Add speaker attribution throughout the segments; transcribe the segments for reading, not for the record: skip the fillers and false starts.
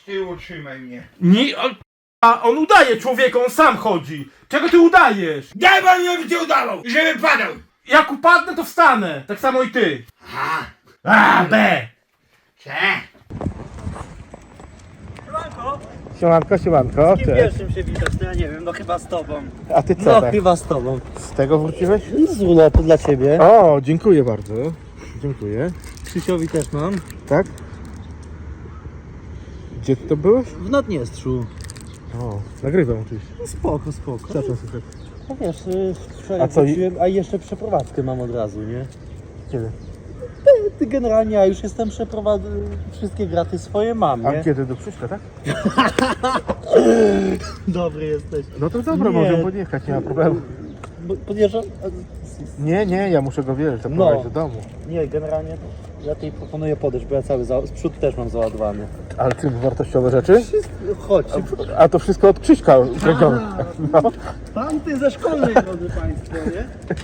Speaker 1: tyłu trzymaj mnie.
Speaker 2: Nie, a on udaje człowieka, on sam chodzi. Czego ty udajesz?
Speaker 1: Daj pan mi cię udawał, żeby padał.
Speaker 2: Jak upadnę, to wstanę. Tak samo i ty.
Speaker 1: Aha.
Speaker 2: A, B.
Speaker 1: Cze?
Speaker 3: Siemanko,
Speaker 2: Siemanko, siemanko.
Speaker 3: z kim pierwszym się witać? No ja nie wiem, no chyba z tobą.
Speaker 2: A ty co
Speaker 3: No
Speaker 2: tak?
Speaker 3: chyba z tobą.
Speaker 2: Z tego wróciłeś?
Speaker 3: Z urlopu dla ciebie.
Speaker 2: O, dziękuję bardzo. Dziękuję.
Speaker 3: Krzysiowi też mam.
Speaker 2: Tak? Gdzie ty to byłeś?
Speaker 3: W Naddniestrzu.
Speaker 2: O, nagrywam oczywiście.
Speaker 3: No spoko, spoko.
Speaker 2: Co tam słychać?
Speaker 3: No wiesz, wczoraj
Speaker 2: A co,
Speaker 3: wróciłem, a jeszcze przeprowadzkę mam od razu, nie?
Speaker 2: Kiedy?
Speaker 3: Ty generalnie ja już jestem wszystkie graty swoje mam,
Speaker 2: A
Speaker 3: nie?
Speaker 2: kiedy do Krzyśka, tak?
Speaker 3: Dobry jesteś.
Speaker 2: No to dobra,
Speaker 3: Nie.
Speaker 2: możemy podjechać, nie ma problemu.
Speaker 3: Podjeżdżam?
Speaker 2: Nie, ja muszę go wierzyć, zaprowadzić do domu.
Speaker 3: Nie, generalnie ja tej proponuję podejść, bo ja cały z przodu też mam załadowany.
Speaker 2: Ale ty wartościowe rzeczy?
Speaker 3: Chodź.
Speaker 2: A to wszystko od Krzyśka zrobione. No.
Speaker 3: Pan ty ze szkolnej, drodzy państwo, nie?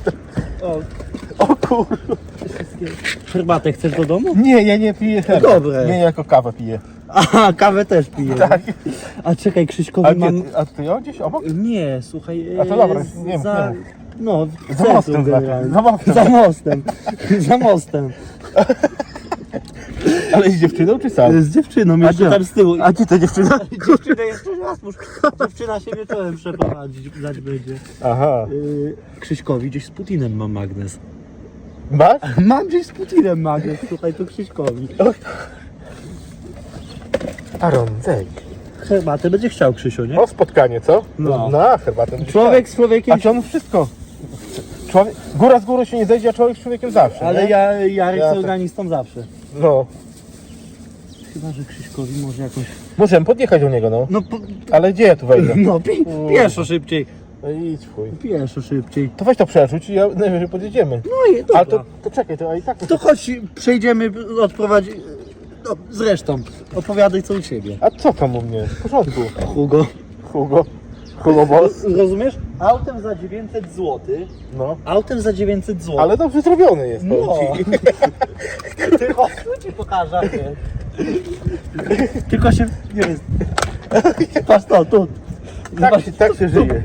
Speaker 2: O kurwa.
Speaker 3: Herbatę chcesz do domu?
Speaker 2: Nie, ja nie piję herbat.
Speaker 3: Dobre.
Speaker 2: Nie, jako kawę piję.
Speaker 3: Aha, kawę też piję.
Speaker 2: Tak.
Speaker 3: A czekaj, Krzyśkowi
Speaker 2: A,
Speaker 3: mam...
Speaker 2: a ty ją gdzieś obok?
Speaker 3: Nie, słuchaj...
Speaker 2: A to dobra, nie
Speaker 3: za...
Speaker 2: mów.
Speaker 3: No, w
Speaker 2: Za
Speaker 3: centrum
Speaker 2: mostem
Speaker 3: generalnie.
Speaker 2: za mostem.
Speaker 3: Za mostem. Za mostem.
Speaker 2: Ale z dziewczyną czy sam?
Speaker 3: Z dziewczyną jeszcze tam z tyłu.
Speaker 2: A gdzie to dziewczyna?
Speaker 3: Dziewczynę jeszcze raz muszę... Dziewczyna się wieczorem przeprowadzić będzie.
Speaker 2: Aha.
Speaker 3: Krzyśkowi gdzieś z Putinem mam magnes.
Speaker 2: Masz?
Speaker 3: Mam gdzieś z Putinem magnes, słuchaj, to Krzyśkowi.
Speaker 2: Aaron, zejdź.
Speaker 3: Herbatę będzie chciał Krzysiu, nie?
Speaker 2: O, spotkanie, co?
Speaker 3: No.
Speaker 2: Na herbatę.
Speaker 3: Człowiek z człowiekiem...
Speaker 2: A czy on wszystko? Człowiek, góra z górą się nie zejdzie, a człowiek z człowiekiem zawsze,
Speaker 3: Ale
Speaker 2: nie?
Speaker 3: Jarek
Speaker 2: Ja
Speaker 3: z
Speaker 2: tak-
Speaker 3: organistą zawsze.
Speaker 2: No.
Speaker 3: Chyba, że Krzyśkowi może jakąś...
Speaker 2: Możemy podjechać do niego, no.
Speaker 3: No,
Speaker 2: Ale gdzie ja tu wejdę?
Speaker 3: no pieszo szybciej.
Speaker 2: No idź chuj.
Speaker 3: Pieszo szybciej.
Speaker 2: To weź to przerzuć i ja najwyżej podjedziemy.
Speaker 3: No i dobra.
Speaker 2: Ale to czekaj, to a i tak...
Speaker 3: To chodź, przejdziemy, odprowadź... No, zresztą, opowiadaj co u ciebie.
Speaker 2: A co tam u mnie? W porządku.
Speaker 3: Hugo.
Speaker 2: Hugo Boss.
Speaker 3: Rozumiesz? Autem za 900 zł.
Speaker 2: No.
Speaker 3: Autem za 900 zł.
Speaker 2: Ale dobrze zrobiony jest,
Speaker 3: No.
Speaker 2: powiem ci.
Speaker 3: Ty chodź, tu ci pokażę. Nie? Tylko się... Nie wiem. Patrz to, tu.
Speaker 2: Tak się żyje.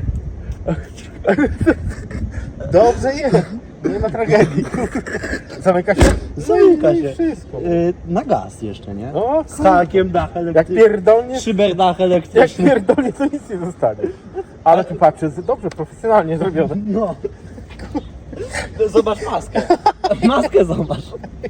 Speaker 2: Dobrze jest. Nie ma tragedii. Zamyka się?
Speaker 3: Zamyka
Speaker 2: No i
Speaker 3: się.
Speaker 2: wszystko.
Speaker 3: Na gaz jeszcze, nie?
Speaker 2: O,
Speaker 3: Z hakiem, dach
Speaker 2: jak
Speaker 3: elektryczny.
Speaker 2: pierdolnie,
Speaker 3: Szyberdach
Speaker 2: jak
Speaker 3: elektryczny.
Speaker 2: pierdolnie, to nic nie zostanie. Ale tu patrzę, dobrze, profesjonalnie zrobione.
Speaker 3: No. Zobacz maskę. Maskę zobacz.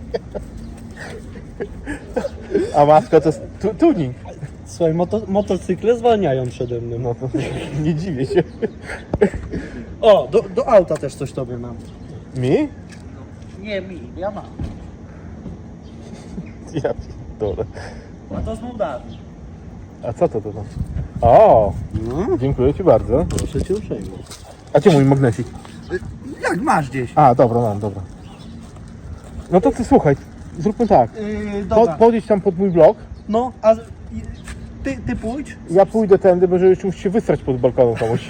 Speaker 2: A maska to jest tuning.
Speaker 3: Słuchaj, motocykle zwalniają przede mną.
Speaker 2: No to nie dziwię się.
Speaker 3: O, do auta też coś tobie mam.
Speaker 2: Mi?
Speaker 3: Nie mi, ja mam.
Speaker 2: Ja pierdolę.
Speaker 3: A to z Mołdawii.
Speaker 2: A co to tam? O,
Speaker 3: No,
Speaker 2: dziękuję ci bardzo.
Speaker 3: proszę cię uprzejmie.
Speaker 2: A gdzie mój magnesik?
Speaker 3: Jak masz gdzieś?
Speaker 2: A, dobra, mam, dobra. No to ty słuchaj, zróbmy tak.
Speaker 3: Dobra.
Speaker 2: Podjedź tam pod mój blok.
Speaker 3: No, a ty pójdź.
Speaker 2: Ja pójdę tędy, bo żebyś mógł się wysrać pod balkonem komuś.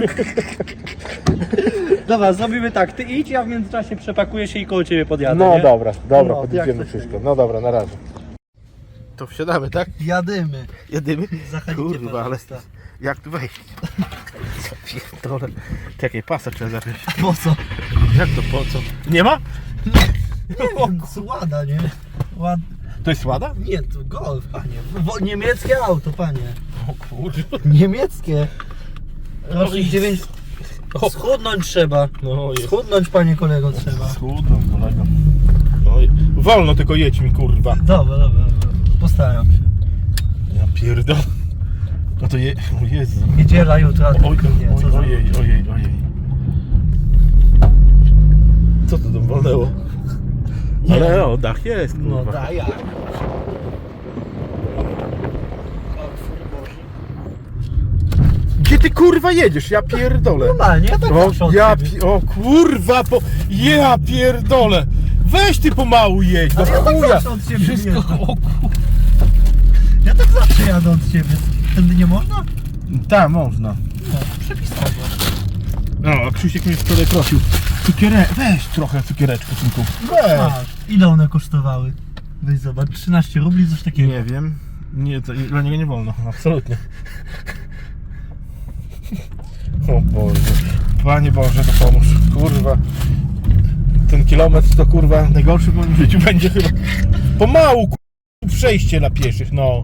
Speaker 3: Dobra, zrobimy tak. Ty idź, ja w międzyczasie przepakuję się i koło ciebie podjadę.
Speaker 2: No
Speaker 3: nie?
Speaker 2: dobra,
Speaker 3: No,
Speaker 2: podjedziemy
Speaker 3: jak to
Speaker 2: wszystko.
Speaker 3: się-
Speaker 2: No dobra, na razie. To wsiadamy, tak?
Speaker 3: Jadymy.
Speaker 2: Jedymy?
Speaker 3: Zachodzicie,
Speaker 2: Kurwa, ale
Speaker 3: panowie.
Speaker 2: jak tu wejść? Pierdolę. Czekaj, pasa trzeba zacząć.
Speaker 3: Po co?
Speaker 2: Jak to po co? Nie ma?
Speaker 3: Łada, nie? Ład...
Speaker 2: To jest łada?
Speaker 3: Nie, to Golf, panie. Niemieckie auto, panie.
Speaker 2: O kurwa.
Speaker 3: Niemieckie. Rocznik 9... Schudnąć trzeba.
Speaker 2: No jest.
Speaker 3: Schudnąć, panie kolego, trzeba.
Speaker 2: Schudną, kolego. Oj, wolno tylko jedź mi, kurwa.
Speaker 3: Dobra. Postaram się.
Speaker 2: Ja pierdolę. No to o Jezu.
Speaker 3: Niedziela, jutro, a
Speaker 2: Oj,
Speaker 3: nie, co za...
Speaker 2: ojej. Co to tam walnęło?
Speaker 3: Nie.
Speaker 2: Ale o, dach jest, kurwa.
Speaker 3: No daj jak.
Speaker 2: Gdzie ty kurwa jedziesz? Ja pierdolę.
Speaker 3: Normalnie, ja tak zawsze od ciebie.
Speaker 2: O kurwa, ja pierdolę. Weź ty pomału jedź, do
Speaker 3: Ale ja tak
Speaker 2: chuja.
Speaker 3: zawsze od ciebie
Speaker 2: Wszystko,
Speaker 3: jeżdżę.
Speaker 2: o kurwa.
Speaker 3: Ja tak zawsze jadę od ciebie. Tędy nie można?
Speaker 2: Tak, można.
Speaker 3: No, przepisowo.
Speaker 2: No, a Krzysiek mnie wczoraj prosił. Weź trochę cukiereczku, synku.
Speaker 3: Masz. Ile one kosztowały? Weź zobacz, 13 rubli, coś takiego.
Speaker 2: Nie wiem. Nie, to dla niego nie wolno, absolutnie. O Boże. Panie Boże, to pomóż. Kurwa. Ten kilometr to kurwa najgorszy w moim życiu będzie chyba. Pomału kurwa, przejście dla pieszych, no.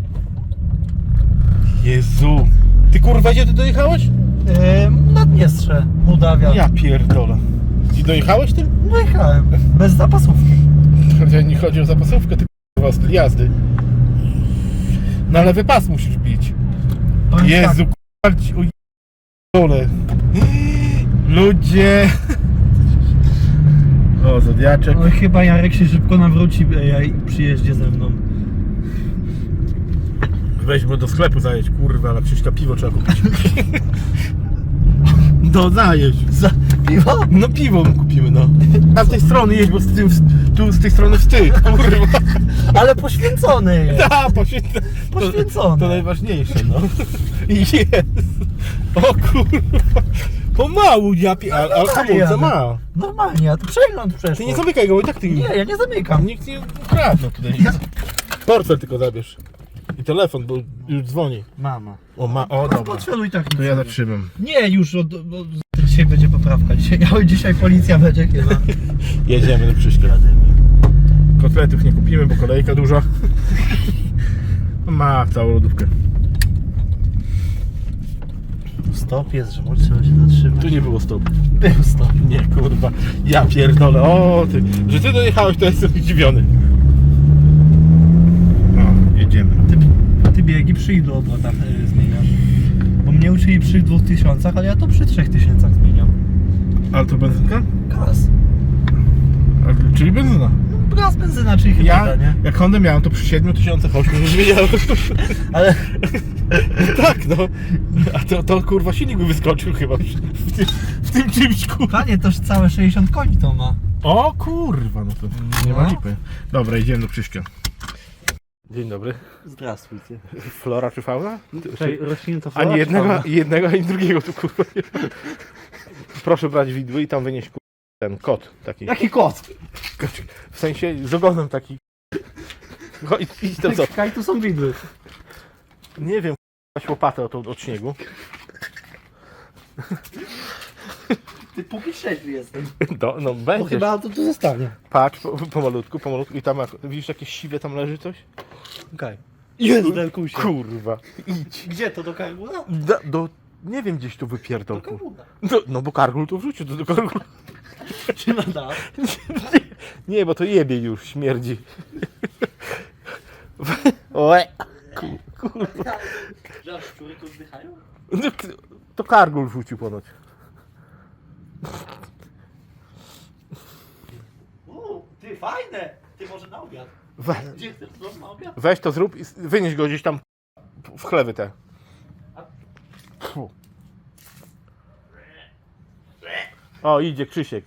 Speaker 2: Jezu. Ty kurwa gdzie ty dojechałeś?
Speaker 3: Na Dniestrze, Mołdawia.
Speaker 2: Ja pierdolę. I dojechałeś tym?
Speaker 3: Dojechałem, bez zapasówki.
Speaker 2: Nie chodzi o zapasówkę, ty kurwa styl jazdy. Na lewy pas musisz bić.
Speaker 3: Powiem
Speaker 2: Jezu,
Speaker 3: tak,
Speaker 2: kurwa, o dole. Ludzie. O, Zodiaczek.
Speaker 3: no, chyba Jarek się szybko nawróci i przyjeździe ze mną.
Speaker 2: Weź go do sklepu zajedź, kurwa, ale Krzyśka piwo trzeba kupić. No zajedź.
Speaker 3: Za piwo?
Speaker 2: No piwo mu kupimy, no. A z tej strony jedź, bo tu z tej strony wstyd, kurwa.
Speaker 3: Ale poświęcony jest.
Speaker 2: Da,
Speaker 3: Poświęcony.
Speaker 2: To najważniejsze, no. Jest. O kurwa. Pomału, ja ale hamulce ma.
Speaker 3: Normalnie, a to przegląd przeszło.
Speaker 2: Ty nie zamykaj go, bo i tak ty
Speaker 3: Nie, ja nie zamykam.
Speaker 2: Nikt nie ukradł tutaj. Portfel tylko zabierz. I telefon, bo już dzwoni.
Speaker 3: Mama.
Speaker 2: O, dobra.
Speaker 3: Portfelu i tak
Speaker 2: To
Speaker 3: nic
Speaker 2: ja
Speaker 3: nie
Speaker 2: zatrzymam.
Speaker 3: Nie, już dzisiaj będzie poprawka. Dzisiaj policja będzie chyba.
Speaker 2: Jedziemy do Krzyśka. Kotletów nie kupimy, bo kolejka duża. Ma całą lodówkę.
Speaker 3: Stop jest, że może trzeba się zatrzymać.
Speaker 2: Tu nie było stopu.
Speaker 3: Był stop.
Speaker 2: Nie, kurwa. Ja pierdolę. O, ty. Że ty dojechałeś, to jestem zdziwiony. O, jedziemy.
Speaker 3: Ty biegi przy ilu obrotach zmieniasz? Bo mnie uczyli przy 2000, ale ja to przy 3000 zmieniam.
Speaker 2: Ale to benzynka?
Speaker 3: Gaz.
Speaker 2: Czyli benzyna.
Speaker 3: Gaz, benzyna, czyli hybrida,
Speaker 2: Ja,
Speaker 3: nie?
Speaker 2: jak Hondę miałem, to przy 7008 zmieniałem.
Speaker 3: Ale
Speaker 2: Tak, no. A to kurwa silnik by wyskoczył chyba w tym czymś, kurwa.
Speaker 3: panie, toż całe 60 koni to ma.
Speaker 2: O kurwa, no to nie ma
Speaker 3: No.
Speaker 2: lipy. Dobra, idziemy do Krzyśka. Dzień dobry.
Speaker 3: Zdrawствуйте.
Speaker 2: Flora czy fauna?
Speaker 3: Rośnięta
Speaker 2: Ani jednego, ani drugiego tu kurwa nie ma. Proszę brać widły i tam wynieść kurwa, ten kot taki.
Speaker 3: Jaki kot?
Speaker 2: W sensie z ogonem taki. Idź tam co?
Speaker 3: Kaj, tu są widły.
Speaker 2: Nie wiem, kurwa, łopatę od śniegu.
Speaker 3: Ty póki trzeźwy jesteś.
Speaker 2: No
Speaker 3: Bo
Speaker 2: będzie.
Speaker 3: chyba to tu zostanie.
Speaker 2: Patrz, pomalutku i tam widzisz jakieś siwe tam leży coś?
Speaker 3: Okej. Jest, Delkusie.
Speaker 2: Kurwa. Idź.
Speaker 3: Gdzie to, do Kargula?
Speaker 2: Nie wiem, gdzieś tu wypierdol.
Speaker 3: Do Kargula.
Speaker 2: No bo Kargul to wrzucił do Kargula.
Speaker 3: Czy na dach?
Speaker 2: Nie, bo to jebie już, śmierdzi. Oe. Kurwa.
Speaker 3: Że aż szczury tu oddychają?
Speaker 2: No, to Kargul wrzucił ponoć.
Speaker 3: Ty, fajne! Ty, może na obiad. Gdzie chcesz to na obiad?
Speaker 2: Weź to zrób i wynieś go gdzieś tam w chlewy te. Fu. O, idzie Krzysiek.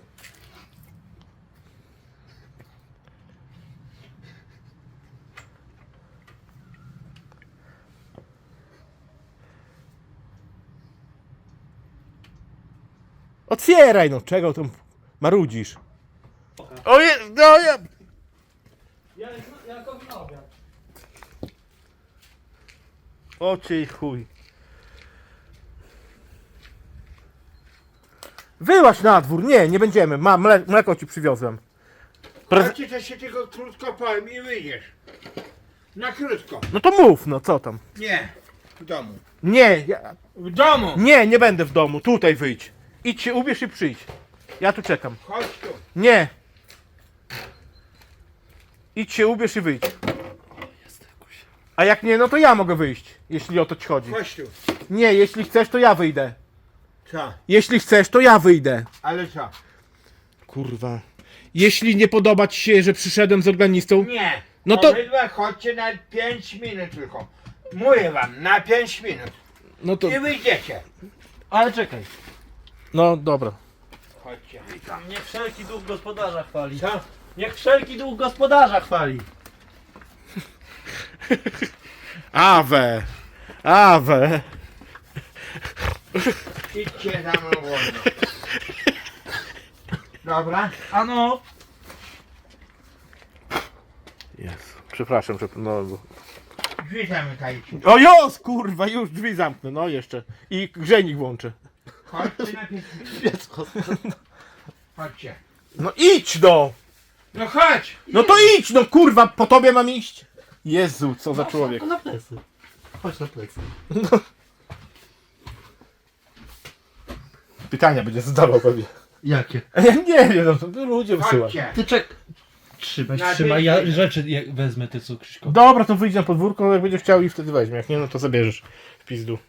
Speaker 2: Otwieraj no, czego tam marudzisz? Oje, no ja...
Speaker 3: Ja go na obiad.
Speaker 2: O cię chuj. Wyłaź na dwór, nie będziemy, mam mleko ci przywiozłem.
Speaker 1: Ale ci to się tylko krótko powiem i wyjdziesz. Na krótko.
Speaker 2: No to mów, no co tam?
Speaker 1: Nie. W domu.
Speaker 2: Nie,
Speaker 1: W domu!
Speaker 2: nie będę w domu, tutaj wyjdź. Idź się ubierz i przyjdź. Ja tu czekam.
Speaker 1: Chodź tu.
Speaker 2: Nie. Idź się ubierz i wyjdź. A jak nie, no to ja mogę wyjść, jeśli o to ci chodzi.
Speaker 1: Chodź tu.
Speaker 2: Nie, jeśli chcesz, to ja wyjdę.
Speaker 1: Co?
Speaker 2: Jeśli chcesz, to ja wyjdę.
Speaker 1: Ale co?
Speaker 2: Kurwa. Jeśli nie podoba ci się, że przyszedłem z organistą,
Speaker 1: Nie.
Speaker 2: No to-
Speaker 1: Obydwa chodźcie na 5 minut tylko. Mówię wam, na 5 minut.
Speaker 2: no to...
Speaker 1: I wyjdziecie.
Speaker 3: Ale czekaj.
Speaker 2: No dobra.
Speaker 1: Chodźcie.
Speaker 3: Niech wszelki duch gospodarza chwali.
Speaker 1: Co?
Speaker 3: Niech wszelki duch gospodarza chwali.
Speaker 2: Awe. Awe.
Speaker 1: Idźcie za mną wolno. Dobra? Drzwi zamykajcie.
Speaker 2: O jos, kurwa, już drzwi zamknę, no jeszcze. I grzejnik włączę.
Speaker 1: Chodźcie najpierw. Chodźcie.
Speaker 2: No idź no!
Speaker 1: No chodź!
Speaker 2: No to idź, no kurwa, po tobie mam iść. Jezu, co za człowiek.
Speaker 3: To na plecy. Chodź na plecy.
Speaker 2: Pytania będzie zadawał pewnie.
Speaker 3: Jakie?
Speaker 2: Ja nie wiem, no to ludzie wysyłają.
Speaker 1: Chodźcie.
Speaker 3: Ty czek... Trzymaj,
Speaker 1: Na
Speaker 3: trzymaj,
Speaker 1: dzień-
Speaker 3: ja rzeczy wezmę, ty co, Krzyśko.
Speaker 2: Dobra, to wyjdź na podwórko, jak będziesz chciał i wtedy weźmie. Jak nie, no to zabierzesz w pizdu.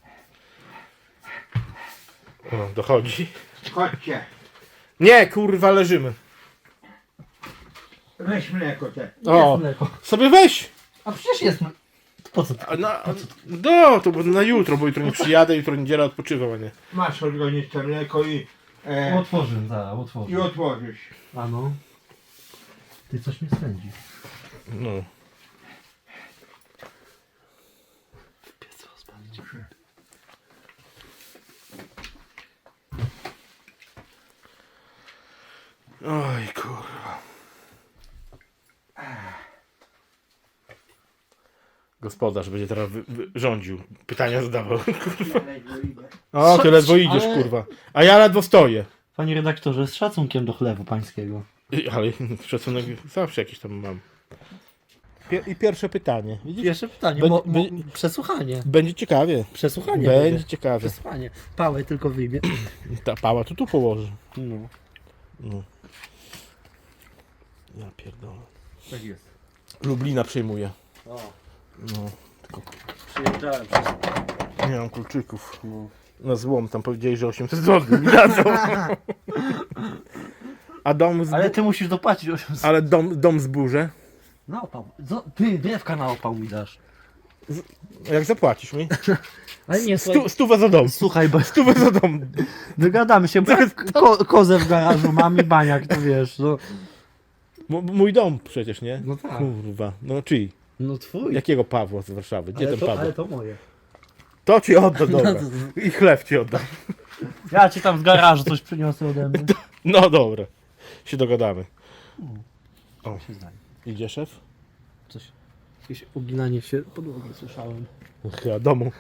Speaker 2: O, dochodzi.
Speaker 1: Chodźcie.
Speaker 2: Nie, kurwa, leżymy.
Speaker 1: Weź mleko te.
Speaker 2: O,
Speaker 3: mleko.
Speaker 2: sobie weź.
Speaker 3: A przecież jest... Po co ty?
Speaker 2: No, to bo na jutro, bo jutro nie przyjadę, jutro niedziela odpoczywam, a nie.
Speaker 1: Masz odgonić to mleko i
Speaker 3: Otworzę, zaraz, otworzę.
Speaker 1: i otworzysz.
Speaker 3: A no. Ty coś mnie spędzi.
Speaker 2: No.
Speaker 3: Piec rozpalić.
Speaker 2: Oj, kurwa. Gospodarz będzie teraz rządził. Pytania zadawał. O, ty ledwo idziesz,
Speaker 3: Ale-
Speaker 2: kurwa. A ja ledwo stoję.
Speaker 3: Panie redaktorze, z szacunkiem do chlewu pańskiego.
Speaker 2: Ale szacunek zawsze jakiś tam mam. I pierwsze pytanie. Widzisz?
Speaker 3: Pierwsze pytanie, przesłuchanie.
Speaker 2: Będzie ciekawie.
Speaker 3: Przesłuchanie
Speaker 2: Będzie ciekawie.
Speaker 3: Przesłuchanie. Pałę tylko wyjmie.
Speaker 2: Ta pała to tu położy.
Speaker 3: No.
Speaker 2: No. Ja pierdolę.
Speaker 3: Tak jest.
Speaker 2: Lublina przyjmuje.
Speaker 3: O,
Speaker 2: No. Tylko
Speaker 3: przyjeżdżałem przez...
Speaker 2: nie mam kluczyków.
Speaker 3: No.
Speaker 2: Na złom tam powiedzieli, że 800 zł mi dadzą. A dom z...
Speaker 3: Ale ty musisz dopłacić 800.
Speaker 2: Ale dom zburzę.
Speaker 3: Na opał. Ty drewka na opał mi dasz.
Speaker 2: Jak zapłacisz mi?
Speaker 3: Ale nie, słuchaj.
Speaker 2: Stówę za dom.
Speaker 3: Słuchaj, bo
Speaker 2: Stówę za dom.
Speaker 3: dogadamy się, bo ja kozę w garażu mam i baniak, to wiesz, no.
Speaker 2: Mój dom przecież, nie?
Speaker 3: No tak.
Speaker 2: Kurwa. No czyj?
Speaker 3: No twój.
Speaker 2: Jakiego Pawła z Warszawy? Gdzie ten Paweł?
Speaker 3: Ale to moje.
Speaker 2: To ci oddam, dobra. I chleb ci oddam.
Speaker 3: Ja ci tam z garażu coś przyniosę ode mnie.
Speaker 2: No dobra. Się dogadamy. O.
Speaker 3: Się zdaje.
Speaker 2: Idzie szef?
Speaker 3: Coś. Jakieś uginanie się podłogi słyszałem.
Speaker 2: Chyba domu.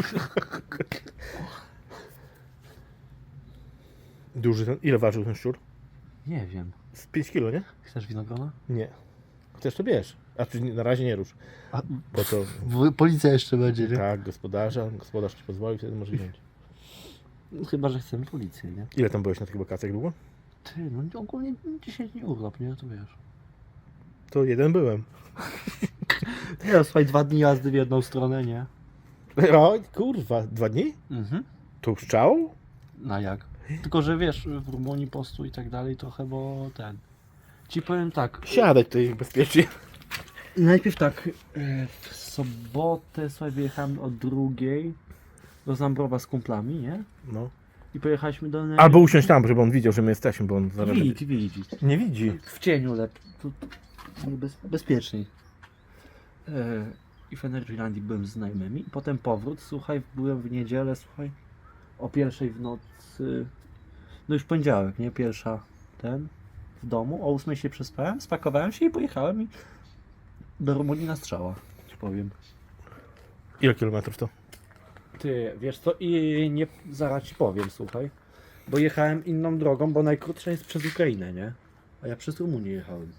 Speaker 2: Duży ten. Ile ważył ten szczur?
Speaker 3: Nie wiem.
Speaker 2: Z 5 kilo, nie?
Speaker 3: Chcesz winogrona?
Speaker 2: Nie. Chcesz to bierz. A ty na razie nie rusz.
Speaker 3: A,
Speaker 2: Bo to
Speaker 3: policja jeszcze będzie, nie?
Speaker 2: tak, gospodarz ci pozwoli, wtedy może wziąć.
Speaker 3: No, chyba, że chcemy policję, nie?
Speaker 2: Ile tam byłeś na tych wakacjach długo?
Speaker 3: Ty, no ogólnie 10 dni urlop, nie? To wiesz.
Speaker 2: To jeden byłem.
Speaker 3: Ja, słuchaj, 2 dni jazdy w jedną stronę, nie?
Speaker 2: O, kurwa, 2 dni?
Speaker 3: Mhm.
Speaker 2: To już czał?
Speaker 3: Na jak? Tylko, że wiesz, w Rumunii postu i tak dalej trochę, bo ten... Ci powiem tak,
Speaker 2: Siadać tutaj bezpiecznie.
Speaker 3: najpierw tak, w sobotę sobie wyjechałem o 2:00 do Zambrowa z kumplami, nie?
Speaker 2: No.
Speaker 3: I pojechaliśmy do...
Speaker 2: Albo usiąść tam, żeby on widział, że my jesteśmy, bo on zaraz...
Speaker 3: Widzi.
Speaker 2: Nie widzi.
Speaker 3: W cieniu bezpieczniej. I w Energylandii byłem z znajomymi. I potem powrót, słuchaj, byłem w niedzielę, słuchaj, o 1:00 w nocy, no już poniedziałek, nie? Pierwsza w domu, o 8:00 się przespałem, spakowałem się i pojechałem do Rumunii na strzała, ci powiem.
Speaker 2: Ile kilometrów to?
Speaker 3: Ty, wiesz co, i nie, zaraz ci powiem, słuchaj, bo jechałem inną drogą, bo najkrótsza jest przez Ukrainę, nie? A ja przez Rumunię jechałem.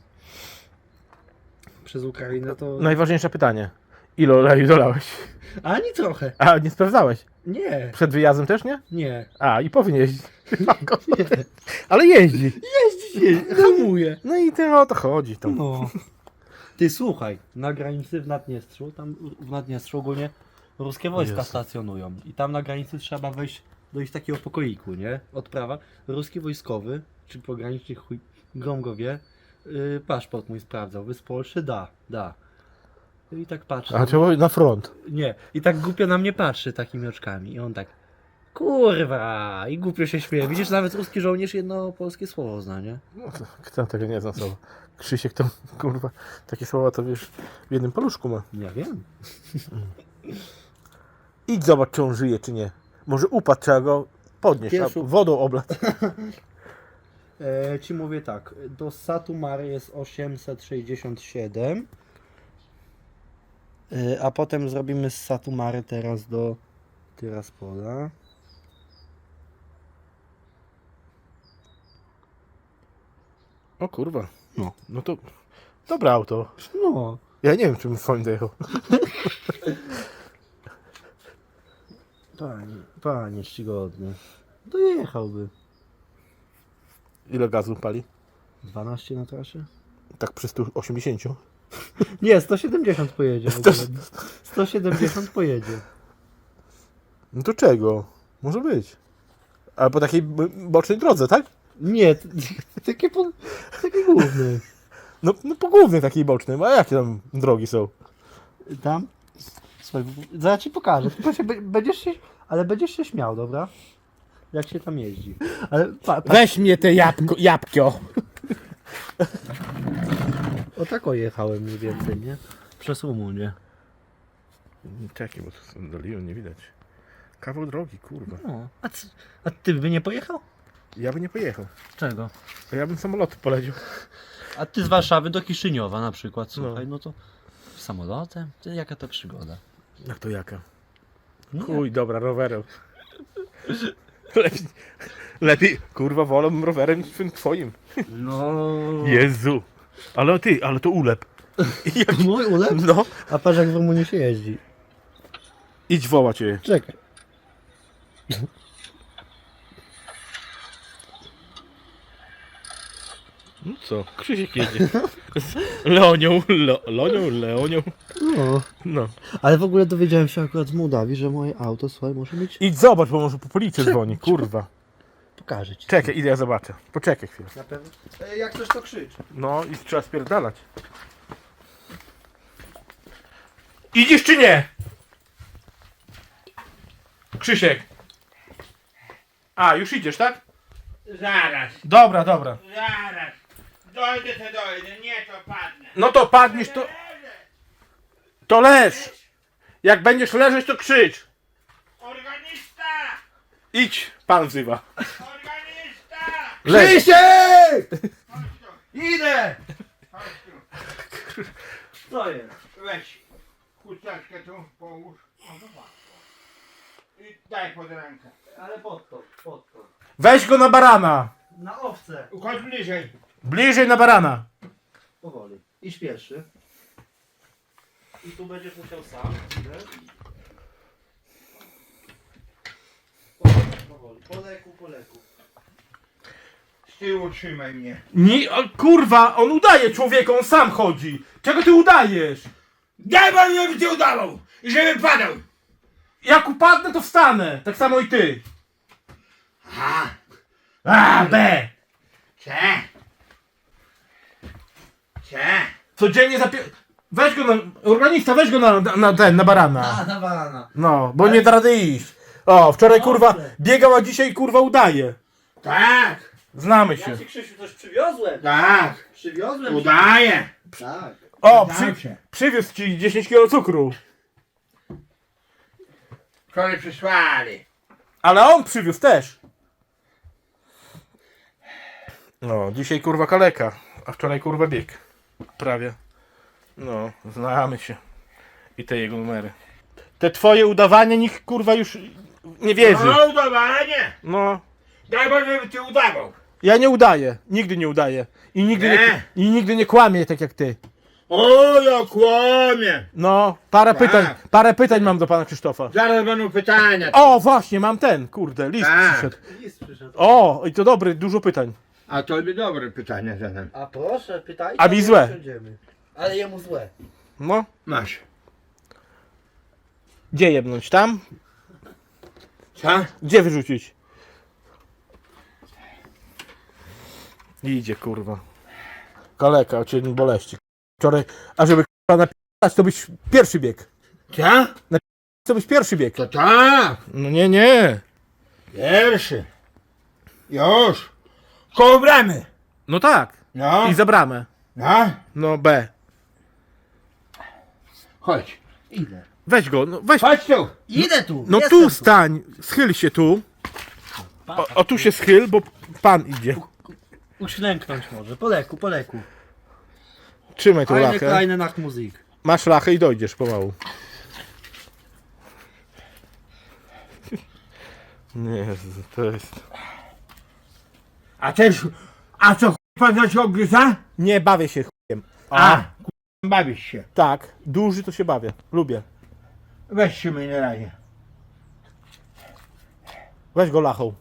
Speaker 3: Przez Ukrainę to...
Speaker 2: Najważniejsze pytanie. Ile oleju dolałeś?
Speaker 3: Ani trochę.
Speaker 2: A, nie sprawdzałeś?
Speaker 3: Nie,
Speaker 2: Przed wyjazdem też nie?
Speaker 3: nie.
Speaker 2: A, i powinien jeździć. Ale jeździ.
Speaker 3: Hamuje.
Speaker 2: No i to o to chodzi. To.
Speaker 3: No. Ty słuchaj, na granicy w Naddniestrzu, tam w Naddniestrzu ogólnie ruskie wojska
Speaker 2: Jezu.
Speaker 3: stacjonują. I tam na granicy trzeba dojść takiego pokoiku, nie? Odprawa. Ruski wojskowy, czy pogranicznik chuj grom go wie, paszport mój sprawdzał. Wy z Polszy? Da. I tak patrzy.
Speaker 2: A trzeba na front.
Speaker 3: Nie. I tak głupio na mnie patrzy takimi oczkami. I on tak, kurwa! I głupio się śmieje. Widzisz, nawet ruski żołnierz jedno polskie słowo zna, nie?
Speaker 2: No to, kto tego nie zna słowa? Krzysiek to, kurwa, takie słowa to wiesz, w jednym paluszku ma.
Speaker 3: Ja wiem.
Speaker 2: Idź zobacz, czy on żyje, czy nie. Może upadł, trzeba go podnieść,
Speaker 3: Pierwszy-
Speaker 2: a wodą oblać.
Speaker 3: Ci mówię tak, do Satu Mare jest 867. A potem zrobimy z Satumary teraz do Tyraspola.
Speaker 2: O kurwa.
Speaker 3: No.
Speaker 2: No to dobre auto.
Speaker 3: No.
Speaker 2: Ja nie wiem, czym swoim dojechał.
Speaker 3: Panie czcigodny. Dojechałby.
Speaker 2: Ile gazu pali?
Speaker 3: 12 na trasie?
Speaker 2: Tak przy 180.
Speaker 3: Nie, 170 pojedzie. W ogóle. 170 pojedzie.
Speaker 2: No to czego? Może być. Ale po takiej bocznej drodze, tak?
Speaker 3: Nie, takie główne.
Speaker 2: No po głównej takiej bocznej. A jakie tam drogi są?
Speaker 3: Tam? Słuchaj, zaraz ci pokażę. Tylko ale będziesz się śmiał, dobra? Jak się tam jeździ. Ale
Speaker 2: Weź mnie te jabłko.
Speaker 3: o tak jechałem mniej więcej, nie? Przez Rumunię.
Speaker 2: Czekaj, bo to doliłem, nie widać. Kawał drogi, kurwa.
Speaker 3: No. A ty by nie pojechał?
Speaker 2: Ja bym nie pojechał.
Speaker 3: Czego?
Speaker 2: A ja bym samolotem poleciał.
Speaker 3: A ty z Warszawy do Kiszyniowa na przykład, słuchaj, no to samolotem? Ty, jaka to przygoda?
Speaker 2: Jak to jaka?
Speaker 3: Nie.
Speaker 2: Chuj, dobra, rowerem. Lepiej, kurwa, wolę rowerem niż tym twoim.
Speaker 3: No.
Speaker 2: Jezu. Ale to ulep.
Speaker 3: Mój ulep?
Speaker 2: No.
Speaker 3: A patrz jak w Rumunii się jeździ.
Speaker 2: Idź woła cię.
Speaker 3: Czekaj.
Speaker 2: No co? Krzysiek jedzie. Z Leonią. Leonią.
Speaker 3: No.
Speaker 2: No.
Speaker 3: Ale w ogóle dowiedziałem się akurat z Mołdawii, że moje auto, słuchaj, może mieć...
Speaker 2: Idź zobacz, bo może po policji dzwoni, kurwa.
Speaker 3: Pokażę ci.
Speaker 2: Czekaj, idę ja zobaczę. Poczekaj chwilę.
Speaker 3: Na pewno. Jak coś to krzycz.
Speaker 2: No i trzeba spierdalać. Idziesz czy nie? Krzysiek. A, już idziesz, tak?
Speaker 1: Zaraz,
Speaker 2: Dobra.
Speaker 1: zaraz. Dojdę to dojdę, nie to padnę.
Speaker 2: No to padniesz, to leż. Jak będziesz leżeć, to krzycz.
Speaker 1: Organista!
Speaker 2: Idź, pan wzywa.
Speaker 1: Organista!
Speaker 2: Leż.
Speaker 1: Krzysiek! Chodź tu,
Speaker 3: Idę!
Speaker 1: chodź tu.
Speaker 3: Co jest?
Speaker 1: Weź chusteczkę tu, połóż. O, zobacz. I daj pod rękę.
Speaker 3: Ale pod to.
Speaker 2: Weź go na barana.
Speaker 3: Na owce.
Speaker 1: Chodź bliżej.
Speaker 2: Bliżej na barana.
Speaker 3: Powoli. Idź pierwszy. I tu będziesz musiał sam. Idę. Powoli. Po leku.
Speaker 1: Z tyłu trzymaj mnie.
Speaker 2: Nie, o, kurwa, on udaje człowieka, on sam chodzi. Czego ty udajesz?
Speaker 1: Daj pan mi, żeby cię udawał! I żeby padał!
Speaker 2: Jak upadnę, to wstanę. Tak samo i ty.
Speaker 1: A,
Speaker 2: A, B.
Speaker 1: C. C.
Speaker 2: Codziennie weź go organista, weź go na barana.
Speaker 3: na barana.
Speaker 2: No, bo nie da rady iść. O, wczoraj kurwa biegał, a dzisiaj kurwa udaje.
Speaker 1: Tak,
Speaker 2: Znamy się.
Speaker 3: Ja ci, Krzysiu, coś przywiozłem.
Speaker 1: tak.
Speaker 3: Przywiozłem.
Speaker 1: Udaję.
Speaker 3: Tak.
Speaker 2: O,
Speaker 1: Znam się.
Speaker 2: przywiózł ci 10 kg cukru.
Speaker 1: Wczoraj przysłali.
Speaker 2: Ale on przywiózł też. No, dzisiaj kurwa kaleka, a wczoraj kurwa bieg. Prawie. No, znamy się. I te jego numery. Te twoje udawanie nikt kurwa już nie wierzy.
Speaker 1: No udawanie.
Speaker 2: No,
Speaker 1: Daj Boże, żeby cię udawał.
Speaker 2: ja nie udaję. Nigdy nie udaję. I nigdy nie kłamię tak jak ty.
Speaker 1: O, ja kłamie.
Speaker 2: No,
Speaker 1: Tak.
Speaker 2: parę pytań mam do pana Krzysztofa.
Speaker 1: Zaraz będą pytania.
Speaker 2: O, właśnie, mam ten, kurde, list
Speaker 1: Tak.
Speaker 2: przyszedł.
Speaker 3: List przyszedł.
Speaker 2: O, i to dobry, dużo pytań.
Speaker 1: A to by dobre pytania zadam.
Speaker 3: A proszę, pytajcie.
Speaker 2: A mi złe.
Speaker 3: Ale jemu złe.
Speaker 2: No,
Speaker 1: Masz.
Speaker 2: gdzie jebnąć? Tam?
Speaker 1: Co?
Speaker 2: Gdzie wyrzucić? Idzie, kurwa. Kaleka, cię boleści. Wczoraj, a żeby kurwa napisać, to byś pierwszy bieg.
Speaker 1: Co?
Speaker 2: To byś pierwszy bieg.
Speaker 1: To tak.
Speaker 2: No nie.
Speaker 1: Pierwszy. Już. Koło bramy.
Speaker 2: No tak.
Speaker 1: No.
Speaker 2: I za bramę.
Speaker 1: No.
Speaker 2: No B.
Speaker 1: Chodź.
Speaker 3: Idę.
Speaker 2: Weź go, no weź.
Speaker 1: Chodź tu.
Speaker 3: Idę tu.
Speaker 2: No
Speaker 3: jestem
Speaker 2: tu stań, schyl się tu. O tu się schyl, bo pan idzie.
Speaker 3: Uślęknąć może. Po leku.
Speaker 2: Trzymaj tą
Speaker 3: Eine
Speaker 2: lachę.
Speaker 3: kleine Nachtmusik.
Speaker 2: Masz lachę i dojdziesz pomału. Nie, to jest...
Speaker 1: A co pan za się ogryza?
Speaker 2: Nie bawię się chujem.
Speaker 1: Bawisz się.
Speaker 2: Tak, duży to się bawię. Lubię.
Speaker 1: Weź się mnie na razie.
Speaker 2: Weź go lachą.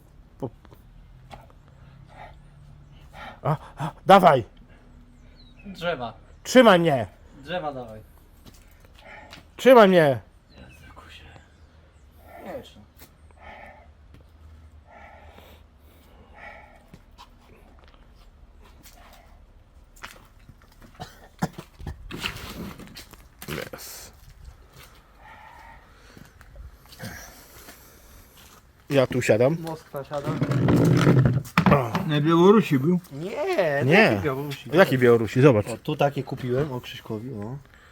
Speaker 2: Dawaj.
Speaker 3: Drzewa.
Speaker 2: Trzymaj mnie.
Speaker 3: Drzewa dawaj.
Speaker 2: Trzymaj mnie.
Speaker 3: Jeszcze.
Speaker 2: Yes. Ja tu siadam.
Speaker 3: Moskwa siada.
Speaker 1: Na Białorusi był.
Speaker 3: Nie,
Speaker 2: Nie.
Speaker 3: Białorusi.
Speaker 2: Jakiej Białorusi? Zobacz.
Speaker 3: O, tu takie kupiłem, o Krzyśkowi, o.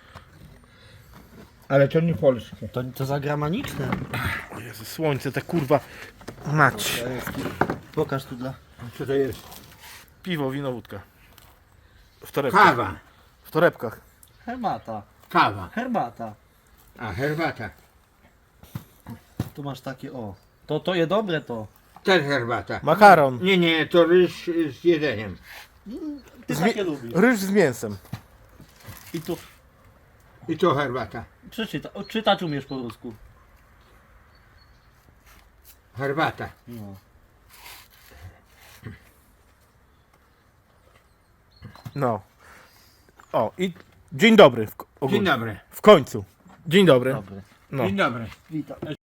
Speaker 1: Ale to nie polskie.
Speaker 3: To zagraniczne.
Speaker 2: O Jezu, słońce, te kurwa. Mać.
Speaker 3: Pokaż tu dla...
Speaker 1: Co to jest?
Speaker 2: Piwo, wino, wódka. W torebkach.
Speaker 1: Kawa.
Speaker 2: W torebkach.
Speaker 3: Herbata.
Speaker 1: Kawa.
Speaker 3: Herbata.
Speaker 1: A, herbata.
Speaker 3: Tu masz takie, o. To je dobre to.
Speaker 1: Też herbata.
Speaker 2: Makaron.
Speaker 1: Nie, to ryż z jedzeniem.
Speaker 3: Ty
Speaker 2: Zmi-
Speaker 3: takie lubisz.
Speaker 2: Ryż z mięsem.
Speaker 3: I tu
Speaker 1: I to herbata.
Speaker 3: czytać umiesz po rusku.
Speaker 1: Herbata.
Speaker 3: No.
Speaker 2: No. O, i dzień dobry.
Speaker 1: Dzień dobry.
Speaker 2: W końcu. Dzień dobry.
Speaker 3: Dobry.
Speaker 2: No.
Speaker 1: Dzień dobry.
Speaker 3: Witam.